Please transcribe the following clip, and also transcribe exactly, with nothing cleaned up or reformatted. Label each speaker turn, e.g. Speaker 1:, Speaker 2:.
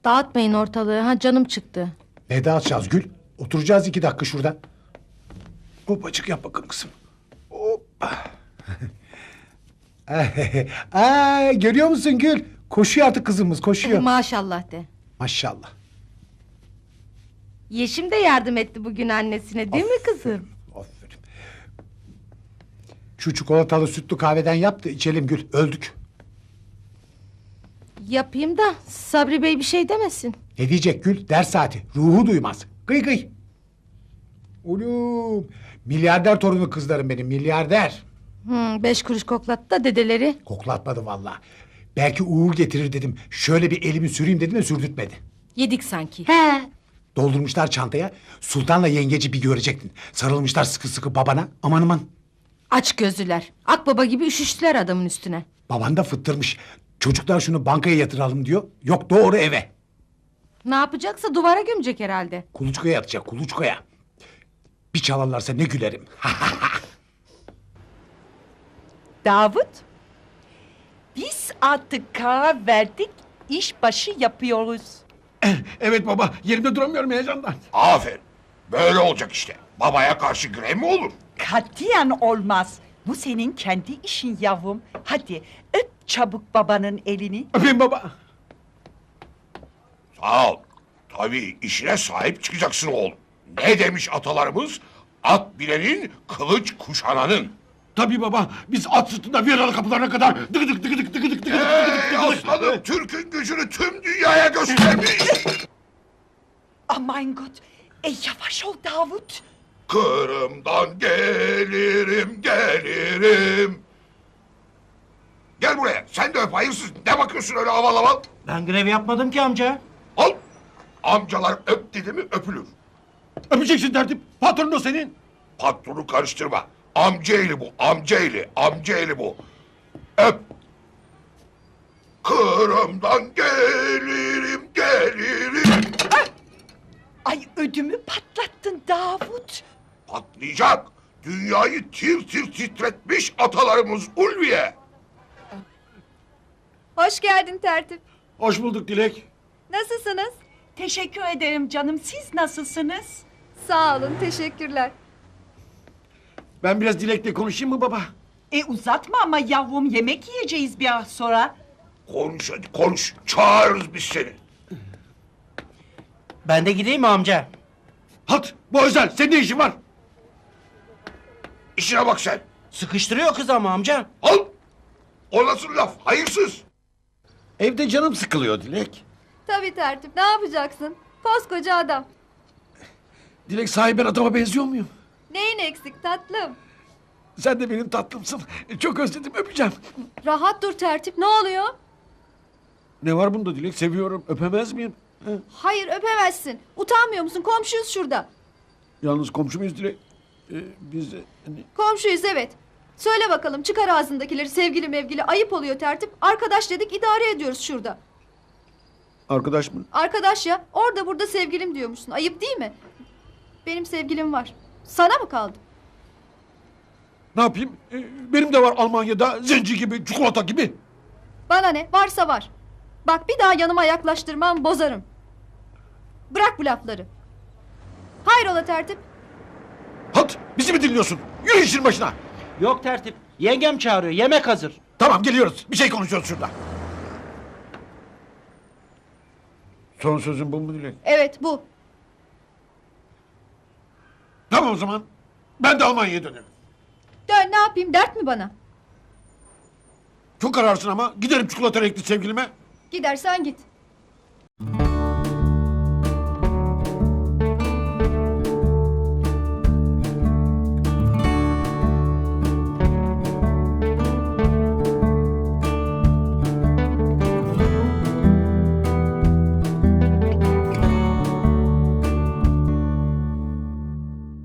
Speaker 1: Dağıtmayın ortalığı. Ha canım çıktı.
Speaker 2: Ne dağıtacağız Gül? Oturacağız iki dakika şurada. Hopacık yap bakalım kızım. Hoppa. Aa, görüyor musun Gül? Koşuyor artık kızımız, koşuyor.
Speaker 1: Maşallah de.
Speaker 2: Maşallah.
Speaker 1: Yeşim de yardım etti bugün annesine, değil mi kızım?
Speaker 2: Aferin. Şu çikolatalı sütlü kahveden yap da içelim Gül. Öldük.
Speaker 1: Yapayım da Sabri Bey bir şey demesin.
Speaker 2: Ne diyecek Gül? Ders saati. Ruhu duymaz. Gıy gıy. Oğlum. Milyarder torunu kızlarım benim. Milyarder.
Speaker 1: Hmm, beş kuruş koklattı da dedeleri.
Speaker 2: Koklatmadı vallahi. Belki uğur getirir dedim. Şöyle bir elimi süreyim dedim de sürdürtmedi.
Speaker 1: Yedik sanki.
Speaker 2: He. Doldurmuşlar çantaya. Sultanla yengeci bir görecektin. Sarılmışlar sıkı sıkı babana. Aman aman.
Speaker 1: Aç gözlüler. Akbaba gibi üşüştüler adamın üstüne.
Speaker 2: Baban da fıttırmış. Çocuklar şunu bankaya yatıralım diyor. Yok doğru eve.
Speaker 1: Ne yapacaksa duvara gömecek herhalde.
Speaker 2: Kuluçkaya atacak kuluçkaya. Bir çalarlarsa ne gülerim.
Speaker 3: Davut, biz artık karar verdik, iş başı yapıyoruz.
Speaker 4: Evet baba, yerimde duramıyorum heyecandan.
Speaker 5: Aferin. Böyle olacak işte. Babaya karşı grev mi olur?
Speaker 3: Katiyen olmaz. Bu senin kendi işin yavrum. Hadi öp çabuk babanın elini.
Speaker 4: Öpeyim baba.
Speaker 5: Sağ ol. Tabii işine sahip çıkacaksın oğlum. Ne demiş atalarımız? At bilenin, kılıç kuşananın.
Speaker 4: Tabii baba, biz at sırtında Viyanalı kapılarına kadar dıgı dık dıgı dık dıgı dık dıgı dık
Speaker 5: Ey aslanım, Türk'ün gücünü tüm dünyaya göstermiş.
Speaker 3: Aman God, e, yavaş ol Davut.
Speaker 5: Kırım'dan gelirim, gelirim. Gel buraya, sen de öp hayırsız. Ne bakıyorsun öyle aval aval?
Speaker 6: Ben grev yapmadım ki amca.
Speaker 5: Al. Amcalar öp dedi mi öpülür.
Speaker 4: Öpeceksin tertip, patronun o senin.
Speaker 5: Patronu karıştırma. Amcaeli bu, amcaeli, amcaeli bu. Öp. Kırım'dan gelirim, gelirim.
Speaker 3: Ay ödümü patlattın Davut.
Speaker 5: Patlayacak. Dünyayı tir tir titretmiş atalarımız Ulviye.
Speaker 7: Hoş geldin tertip.
Speaker 4: Hoş bulduk Dilek.
Speaker 7: Nasılsınız?
Speaker 3: Teşekkür ederim canım, siz nasılsınız?
Speaker 7: Sağ olun, teşekkürler.
Speaker 4: Ben biraz Dilek'le konuşayım mı baba?
Speaker 3: E uzatma ama yavrum, yemek yiyeceğiz biraz sonra.
Speaker 5: Konuş hadi konuş. Çağırırız biz seni.
Speaker 6: Ben de gideyim mi amca?
Speaker 4: Halt, bu özel, senin ne işin var?
Speaker 5: İşine bak sen.
Speaker 6: Sıkıştırıyor kız ama amca.
Speaker 5: Al. O nasıl laf? Hayırsız.
Speaker 4: Evde canım sıkılıyor Dilek.
Speaker 7: Tabii tertip, ne yapacaksın? Koskoca adam.
Speaker 4: Dilek, sahi ben adama benziyor muyum?
Speaker 7: Neyin eksik tatlım?
Speaker 4: Sen de benim tatlımsın. Çok özledim, öpeceğim.
Speaker 7: Rahat dur tertip, ne oluyor?
Speaker 4: Ne var bunda Dilek, seviyorum, öpemez miyim? He?
Speaker 7: Hayır, öpemezsin. Utanmıyor musun? Komşuyuz şurada.
Speaker 4: Yalnız komşu muyuz Dilek? Ee, biz de... Hani...
Speaker 7: Komşuyuz evet. Söyle bakalım, çıkar ağzındakileri, sevgili mevgili. Ayıp oluyor tertip. Arkadaş dedik, idare ediyoruz şurada.
Speaker 4: Arkadaş mı?
Speaker 7: Arkadaş ya, orada burada sevgilim diyormuşsun. Ayıp değil mi? Benim sevgilim var. Sana mı kaldı?
Speaker 4: Ne yapayım? Ee, benim de var Almanya'da zenci gibi, çikolata gibi.
Speaker 7: Bana ne? Varsa var. Bak bir daha yanıma yaklaştırmam, bozarım. Bırak bu lafları. Hayrola tertip?
Speaker 4: Halt! Bizi mi dinliyorsun? Yürü işin başına!
Speaker 6: Yok tertip. Yengem çağırıyor. Yemek hazır.
Speaker 4: Tamam, geliyoruz. Bir şey konuşuyoruz şurada. Son sözün bu mu Dilek?
Speaker 7: Evet bu.
Speaker 4: Tamam o zaman. Ben de Almanya'ya dönerim.
Speaker 7: Dön, ne yapayım, dert mi bana?
Speaker 4: Çok kararsın ama giderim çikolata renkli sevgilime.
Speaker 7: Gidersen git.